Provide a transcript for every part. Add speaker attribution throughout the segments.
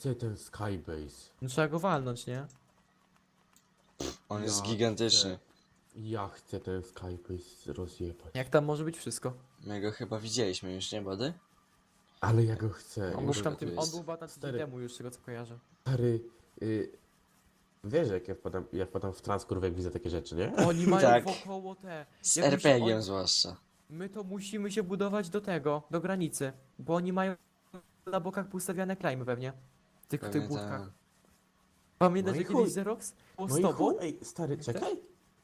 Speaker 1: chcę ten Skybase.
Speaker 2: No trzeba go walnąć, nie?
Speaker 3: On
Speaker 1: Ja
Speaker 3: jest gigantyczny.
Speaker 1: Ja chcę ten Skybase rozjebać.
Speaker 2: Jak tam może być wszystko?
Speaker 3: My go chyba widzieliśmy już, nie Body?
Speaker 1: Ale ja go chcę.
Speaker 2: On
Speaker 3: No
Speaker 2: był
Speaker 3: może
Speaker 2: tam
Speaker 3: tak
Speaker 2: tym,
Speaker 3: jest.
Speaker 2: on był chyba na tydzień
Speaker 1: Stary.
Speaker 2: temu już, z tego co kojarzę.
Speaker 1: Stary, wiesz jak ja wpadam w trans, kurwa, jak widzę takie rzeczy, nie?
Speaker 2: Oni mają
Speaker 3: Tak.
Speaker 2: wokoło te.
Speaker 3: Z
Speaker 2: jakby się
Speaker 3: RPG-iem
Speaker 2: on-
Speaker 3: zwłaszcza.
Speaker 2: My to musimy się budować do tego, do granicy. Bo oni mają na bokach poustawiane klejmy pewnie. W tych
Speaker 3: Pewnie
Speaker 2: budkach.
Speaker 3: tak.
Speaker 2: Pamiętasz,
Speaker 1: No i
Speaker 2: że kiedyś
Speaker 1: chuj.
Speaker 2: Xerox było
Speaker 1: No
Speaker 2: z
Speaker 1: i
Speaker 2: tobą?
Speaker 1: chuj, ej, stary, czekaj.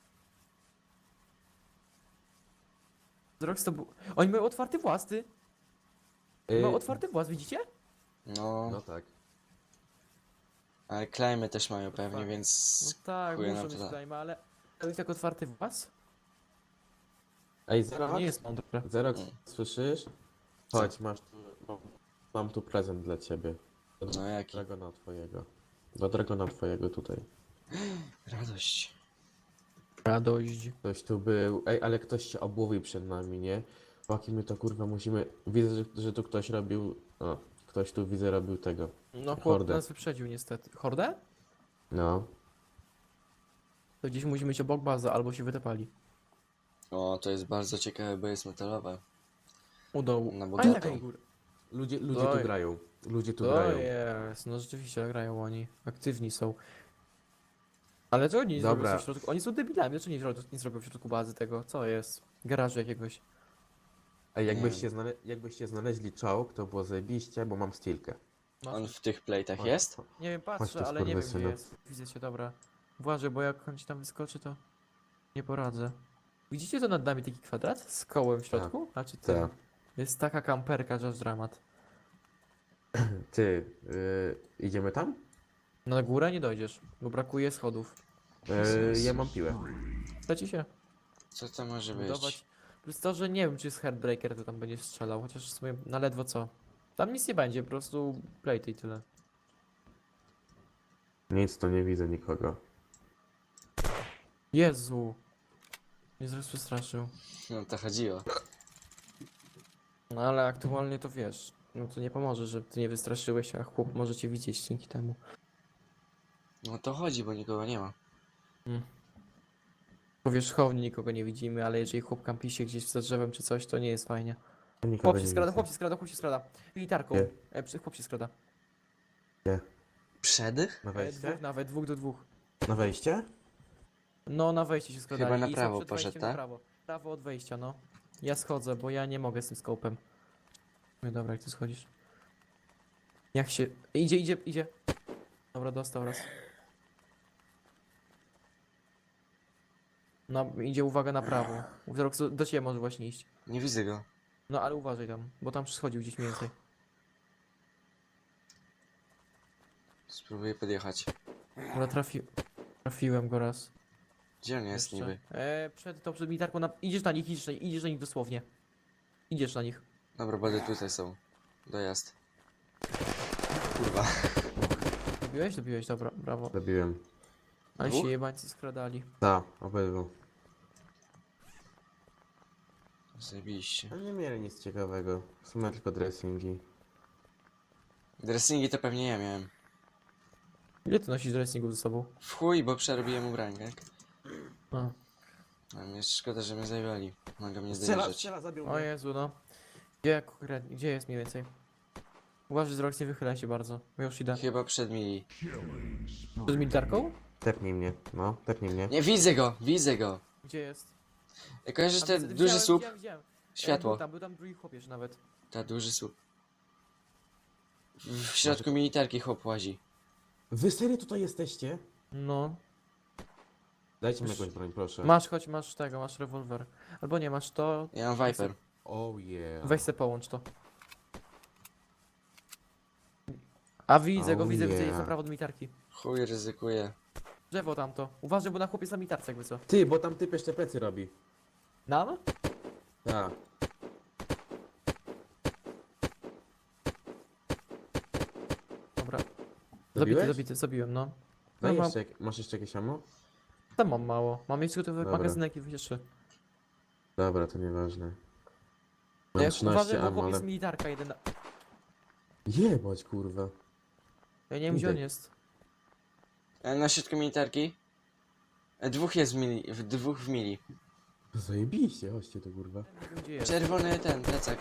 Speaker 2: Xerox to był... Oni mają otwarty włas, ty. Mają otwarty włas, widzicie?
Speaker 3: No,
Speaker 1: No tak.
Speaker 3: ale klejmy też mają pewnie,
Speaker 2: tak. No
Speaker 3: więc...
Speaker 2: tak,
Speaker 3: chuja
Speaker 2: muszą
Speaker 3: nam to
Speaker 2: mieć
Speaker 3: da.
Speaker 2: klejmy, ale... To jest tak otwarty włas?
Speaker 1: Ej,
Speaker 2: To
Speaker 1: Zerox,
Speaker 2: nie jest mądre.
Speaker 1: Zerox,
Speaker 3: Mm.
Speaker 1: słyszysz? Chodź, masz tu, mam tu prezent dla ciebie.
Speaker 3: No jaki?
Speaker 1: Dragona twojego. Do Dragona twojego tutaj.
Speaker 3: Radość.
Speaker 2: Radość.
Speaker 1: Ktoś tu był. Ej, ale ktoś się obłowił przed nami, nie? Chłopaki, my to kurwa musimy... Widzę, że tu ktoś robił... O, ktoś tu widzę robił tego.
Speaker 2: No chłop
Speaker 1: Hordę.
Speaker 2: nas wyprzedził niestety. Hordę?
Speaker 1: No.
Speaker 2: To gdzieś musimy iść obok bazy, albo się wytepali.
Speaker 3: O, to jest bardzo ciekawe, bo jest metalowe.
Speaker 2: U dołu.
Speaker 3: Na
Speaker 2: A
Speaker 3: budowę.
Speaker 2: taką górę.
Speaker 1: Ludzie
Speaker 2: Oj.
Speaker 1: tu grają. Ludzie tu
Speaker 2: To
Speaker 1: grają.
Speaker 2: jest, no rzeczywiście grają oni. Aktywni są. Ale co oni
Speaker 1: Dobra.
Speaker 2: zrobią w środku? Oni są debilami, dlaczego nie zrobią w środku bazy tego? Co jest? Garażu jakiegoś.
Speaker 1: Ej,
Speaker 3: Nie
Speaker 1: jakbyście znaleźli czołg, to było zajebiście, bo mam stilkę.
Speaker 2: Masz-
Speaker 3: On w tych plate'ach
Speaker 1: Chodź,
Speaker 3: jest?
Speaker 1: chodź.
Speaker 2: Nie wiem,
Speaker 1: Chodź
Speaker 2: patrzę,
Speaker 1: tu,
Speaker 2: ale nie wiem gdzie
Speaker 1: skurwysynu.
Speaker 2: jest. Widzę cię, dobra. Uważaj, bo jak on ci tam wyskoczy, to nie poradzę. Widzicie to nad nami taki kwadrat z kołem w środku? Znaczy tym.
Speaker 1: Tak.
Speaker 2: Jest taka kamperka, że aż dramat.
Speaker 1: Ty, idziemy tam?
Speaker 2: No na górę nie dojdziesz, bo brakuje schodów.
Speaker 1: Ja mam piłę.
Speaker 2: Chcecie się
Speaker 3: Co to może być?
Speaker 2: budować? Plus to, że nie wiem, czy jest Heartbreaker, to tam będzie strzelał, chociaż w sumie na ledwo co. Tam nic nie będzie, po prostu plate i tyle.
Speaker 1: Nic, to nie widzę nikogo.
Speaker 2: Jezu! Mnie zaraz przestraszył.
Speaker 3: No to chodziło.
Speaker 2: No ale aktualnie to wiesz, no to nie pomoże, że ty nie wystraszyłeś, a chłop może cię widzieć dzięki temu.
Speaker 3: No to chodzi, bo nikogo nie ma.
Speaker 2: Powierzchownie nikogo nie widzimy, ale jeżeli chłop kampi się gdzieś za drzewem czy coś, to nie jest fajnie.
Speaker 1: Nikogo
Speaker 2: Chłop
Speaker 1: nie
Speaker 2: się skrada,
Speaker 1: widzę.
Speaker 2: chłop się skrada, chłop się skrada. Militarką.
Speaker 1: Gdzie?
Speaker 2: Chłop się skrada.
Speaker 3: Przedych?
Speaker 1: Na wejście?
Speaker 2: Dwóch nawet, 2 do 2.
Speaker 1: Na wejście?
Speaker 2: No na wejście się skradali.
Speaker 3: Chyba na
Speaker 2: i są
Speaker 3: prawo
Speaker 2: przed
Speaker 3: poszedł,
Speaker 2: wejściem na
Speaker 3: tak?
Speaker 2: prawo. Prawo od wejścia, no. Ja schodzę, bo ja nie mogę z tym skopem. No dobra, jak ty schodzisz? Jak się... Idzie. Dobra, dostał raz. No, idzie, uwaga, na prawo. Wzrok do ciebie może właśnie iść.
Speaker 3: Nie widzę go.
Speaker 2: No, ale uważaj tam, bo tam schodził gdzieś mniej więcej.
Speaker 3: Spróbuję podjechać.
Speaker 2: Dobra, trafiłem go raz.
Speaker 3: Gdzie on jest
Speaker 2: Jeszcze.
Speaker 3: niby?
Speaker 2: Przed militarką, idziesz na nich dosłownie. Idziesz na nich.
Speaker 3: Dobra, Body tutaj są. Dojazd. Kurwa.
Speaker 2: Dobiłeś? Dobra, brawo.
Speaker 1: Zabiłem.
Speaker 2: Ale
Speaker 3: Dwóch?
Speaker 2: się jebańcy skradali.
Speaker 1: Tak, obydwu.
Speaker 3: Zajebiście.
Speaker 1: No nie mieli nic ciekawego. W sumie tylko dressingi.
Speaker 3: Dressingi to pewnie ja miałem.
Speaker 2: Ile ty nosisz dressingów ze sobą?
Speaker 3: W chuj, bo przerobiłem ubranek.
Speaker 2: A.
Speaker 3: A mnie szkoda, że mnie zajęli. Mogę mnie zdenerzyć.
Speaker 1: zabił
Speaker 2: O Jezu, no. Gdzie jest mniej więcej? Uważaj, Zrox, nie wychylaj się bardzo. Bo już idę.
Speaker 3: Chyba przed mili.
Speaker 2: Z militarką?
Speaker 1: Tepnij mnie, no, tepnij mnie.
Speaker 3: Nie, widzę go!
Speaker 2: Gdzie jest?
Speaker 3: Kojarzysz
Speaker 2: A,
Speaker 3: ten
Speaker 2: widzę-
Speaker 3: duży słup?
Speaker 2: Widziałem.
Speaker 3: Światło.
Speaker 2: Był tam drugi chłopiec nawet.
Speaker 3: Ta duży słup. W środku militarki chłop łazi.
Speaker 1: Wy serio tutaj jesteście?
Speaker 2: No.
Speaker 1: Dajcie mi jakąś broń, proszę.
Speaker 2: Chodź, masz rewolwer. Albo nie, masz to.
Speaker 3: Ja mam Viper.
Speaker 1: Oh yeah.
Speaker 2: Weź se połącz to. A widzę go,
Speaker 1: Oh
Speaker 2: widzę,
Speaker 1: yeah.
Speaker 2: jest na prawo do militarki.
Speaker 3: Chuj, ryzykuję.
Speaker 2: Drzewo tamto. Uważaj, bo na chłopiec na militarce jakby co.
Speaker 1: Ty, bo tam typ jeszcze plecy robi.
Speaker 2: Nam?
Speaker 1: Tak.
Speaker 2: Dobra.
Speaker 1: Zabiłeś?
Speaker 2: Zabiłem, no.
Speaker 1: Daj
Speaker 2: No,
Speaker 1: jeszcze, masz jeszcze jakieś ammo?
Speaker 2: Tam mam mało. Mam jeszcze gotowe
Speaker 1: Dobra.
Speaker 2: magazynek i jeszcze.
Speaker 1: Dobra, to nieważne.
Speaker 2: No
Speaker 1: Mam
Speaker 2: jak
Speaker 1: 13
Speaker 2: uważaj, bo
Speaker 1: ammo,
Speaker 2: chłopiec
Speaker 1: ale...
Speaker 2: militarka jeden.
Speaker 1: Jebać, kurwa.
Speaker 2: Ja nie wiem, gdzie on
Speaker 1: Idę.
Speaker 2: jest.
Speaker 3: Na środku militarki. Dwóch jest w mili, dwóch w mili.
Speaker 1: Zajebiście, chodźcie tu kurwa.
Speaker 2: Nie wiem, gdzie jest.
Speaker 3: Czerwony ten, plecak.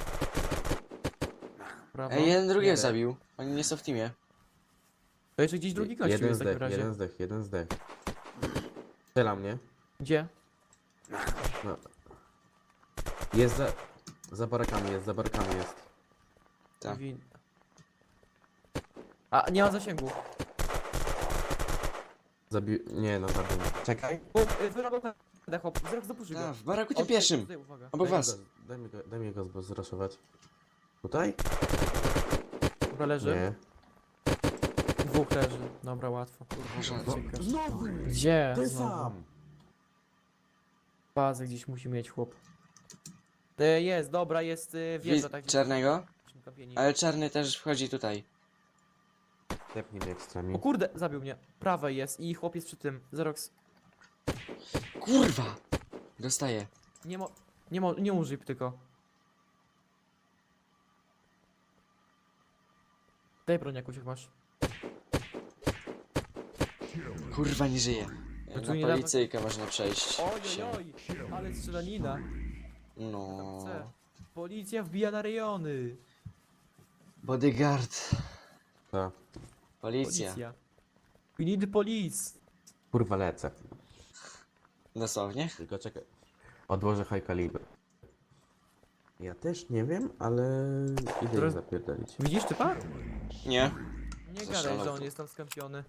Speaker 2: Prawo.
Speaker 3: Jeden drugiego
Speaker 2: Nie.
Speaker 3: zabił. Oni nie są w teamie.
Speaker 2: To jeszcze gdzieś drugi gościu
Speaker 1: Jeden
Speaker 2: jest w takim
Speaker 1: zdech,
Speaker 2: razie.
Speaker 1: jeden zdech, jeden zdech. Strzela mnie.
Speaker 2: Gdzie?
Speaker 1: No. Jest za barakami jest, za barakami jest.
Speaker 3: Tak.
Speaker 2: A, nie ma zasięgu.
Speaker 1: Nie no, zabił mnie. Czekaj.
Speaker 2: Wyrobił chłop, wzrok zapuszy go.
Speaker 3: Tak, w baraku
Speaker 2: O,
Speaker 3: tym pierwszym.
Speaker 2: tutaj, uwaga.
Speaker 3: Obok was.
Speaker 1: Daj mi go zraszować. Tutaj?
Speaker 2: Dobra, leży.
Speaker 1: Nie.
Speaker 2: Dwóch leży. Dobra, łatwo.
Speaker 3: Może-
Speaker 2: Ciekawe.
Speaker 1: Znowu!
Speaker 2: Gdzie?
Speaker 1: Ty
Speaker 2: Znowu.
Speaker 1: sam!
Speaker 2: Bazę gdzieś musi mieć chłop. Jest, dobra, jest wieża, tak.
Speaker 3: Czarnego?
Speaker 2: Kamieni.
Speaker 3: Ale czarny też wchodzi tutaj.
Speaker 1: Tepnij mnie ekstrami.
Speaker 2: O kurde, zabił mnie. Prawej jest i chłop jest przy tym. Zerox.
Speaker 3: Kurwa! Dostaję.
Speaker 2: Nie użyj tylko. Daj broń jakąś jak masz.
Speaker 3: Kurwa, nie żyje.
Speaker 2: tu
Speaker 3: Na
Speaker 2: niedawno-
Speaker 3: policyjkę można przejść. się.
Speaker 2: Oj, ale strzelanina.
Speaker 3: No.
Speaker 2: Chcę. Policja wbija na rejony.
Speaker 3: Bodyguard.
Speaker 1: Ta.
Speaker 3: Policja.
Speaker 2: We need police.
Speaker 1: Kurwa lecę.
Speaker 3: Dosłownie?
Speaker 1: Tylko czekaj. Odłożę high caliber. Ja też nie wiem, ale idę
Speaker 2: Teraz-
Speaker 1: ich zapierdolić.
Speaker 2: Widzisz typa?
Speaker 3: Nie.
Speaker 2: Nie
Speaker 3: Zaszalał
Speaker 2: gadaj, że on
Speaker 3: tu.
Speaker 2: jest tam skampiony.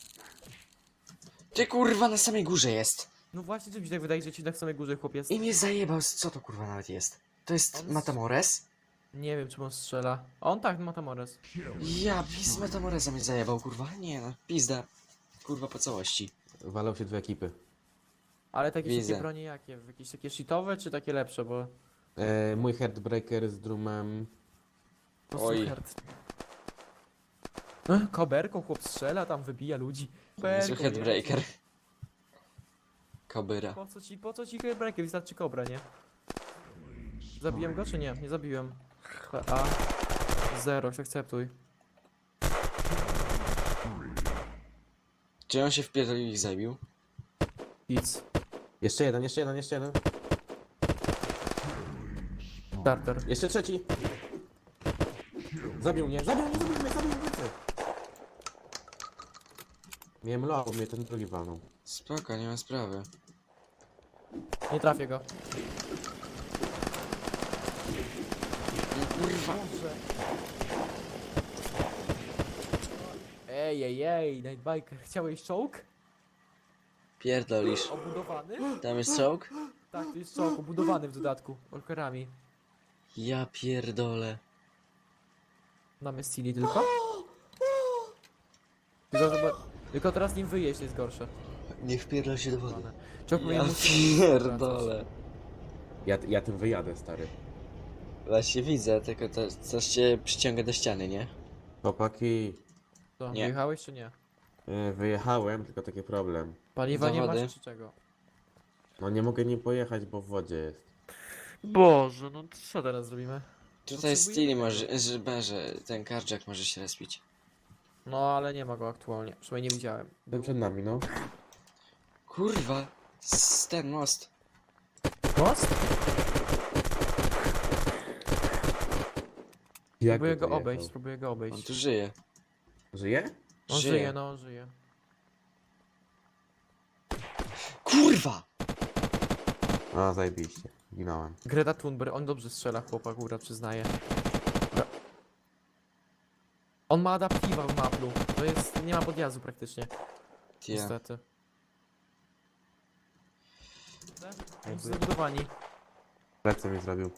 Speaker 3: Ty kurwa na samej górze jest.
Speaker 2: No właśnie, czy mi się tak wydaje, że ci na samej górze chłop jest?
Speaker 3: I mnie zajebał. Co to kurwa nawet jest? To jest
Speaker 2: On-
Speaker 3: Matamores?
Speaker 2: Nie wiem, czy on strzela. On tak, ma Tamores.
Speaker 3: Ja z Matamoresa mnie zajebał kurwa. Nie no, pizda. Kurwa po całości.
Speaker 1: Walą się dwie ekipy.
Speaker 2: Ale takie
Speaker 3: Widzę.
Speaker 2: takie bronie jakie? Jakieś takie shitowe, czy takie lepsze, bo...
Speaker 1: Mój Heartbreaker z drumem.
Speaker 3: Oj.
Speaker 2: Koberką chłop strzela, tam wybija ludzi.
Speaker 3: Niezły
Speaker 2: Koberką,
Speaker 3: headbreaker.
Speaker 2: jezu.
Speaker 3: Kobyra.
Speaker 2: Po co ci headbreaker? Wystarczy kobra, nie? Zabiłem go, czy nie? Nie zabiłem. A. Zero, akceptuj.
Speaker 3: Czy on się wpierdolił i ich zabił?
Speaker 2: Nic.
Speaker 1: Jeszcze jeden, jeszcze jeden, jeszcze jeden.
Speaker 2: Starter.
Speaker 1: Jeszcze trzeci. Zabił mnie, zabił mnie, zabił mnie, zabił mnie. Miałem low, mnie ten drugi walnął.
Speaker 3: Spoko, nie ma sprawy.
Speaker 2: Nie trafię go.
Speaker 3: No kurwa.
Speaker 2: Ej, Nightbiker, chciałeś czołg?
Speaker 3: Pierdolisz.
Speaker 2: Obudowany?
Speaker 3: Tam jest czołg?
Speaker 2: Tak, to jest czołg, obudowany w dodatku. Orkerami.
Speaker 3: Ja pierdolę.
Speaker 2: Mamy Steely tylko? Tylko teraz nim wyjeść jest gorsze.
Speaker 3: Nie wpierdol się do wody.
Speaker 2: Czołg
Speaker 3: Ja pierdolę.
Speaker 1: Ja tym wyjadę, stary.
Speaker 3: Właśnie widzę, tylko to coś cię przyciąga do ściany, nie?
Speaker 1: Chłopaki,
Speaker 2: Co,
Speaker 3: Nie.
Speaker 2: wyjechałeś czy nie?
Speaker 1: wyjechałem, tylko taki problem.
Speaker 2: Paliwa nie
Speaker 3: Zawody.
Speaker 2: masz czy czego?
Speaker 1: No nie mogę nim pojechać, bo w wodzie jest.
Speaker 2: Boże, no to co teraz zrobimy?
Speaker 3: Tutaj
Speaker 2: Potrzebujemy
Speaker 3: Steely
Speaker 2: tego.
Speaker 3: może, że ten carjack może się respić.
Speaker 2: No ale nie ma go aktualnie, przynajmniej nie widziałem.
Speaker 1: Ten przed nami, no.
Speaker 3: Kurwa, ten most.
Speaker 2: Most?
Speaker 1: Jak
Speaker 2: Spróbuję
Speaker 1: by
Speaker 2: go
Speaker 1: to
Speaker 2: obejść,
Speaker 1: jechał?
Speaker 2: spróbuję go
Speaker 3: On
Speaker 2: obejść.
Speaker 3: tu żyje.
Speaker 1: Żyje?
Speaker 2: On
Speaker 3: Żyje.
Speaker 2: żyje, no on żyje.
Speaker 3: Kurwa!
Speaker 1: A, zajebiście. Ginąłem.
Speaker 2: Greta Thunberg, on dobrze strzela chłopak, góra przyznaje. On ma adaptiwa w maplu, to jest, nie ma podjazdu praktycznie,
Speaker 3: Tia.
Speaker 2: niestety. Oni są zabudowani.
Speaker 1: Plecy mi zrobił.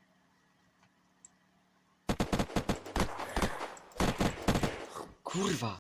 Speaker 3: Kurwa!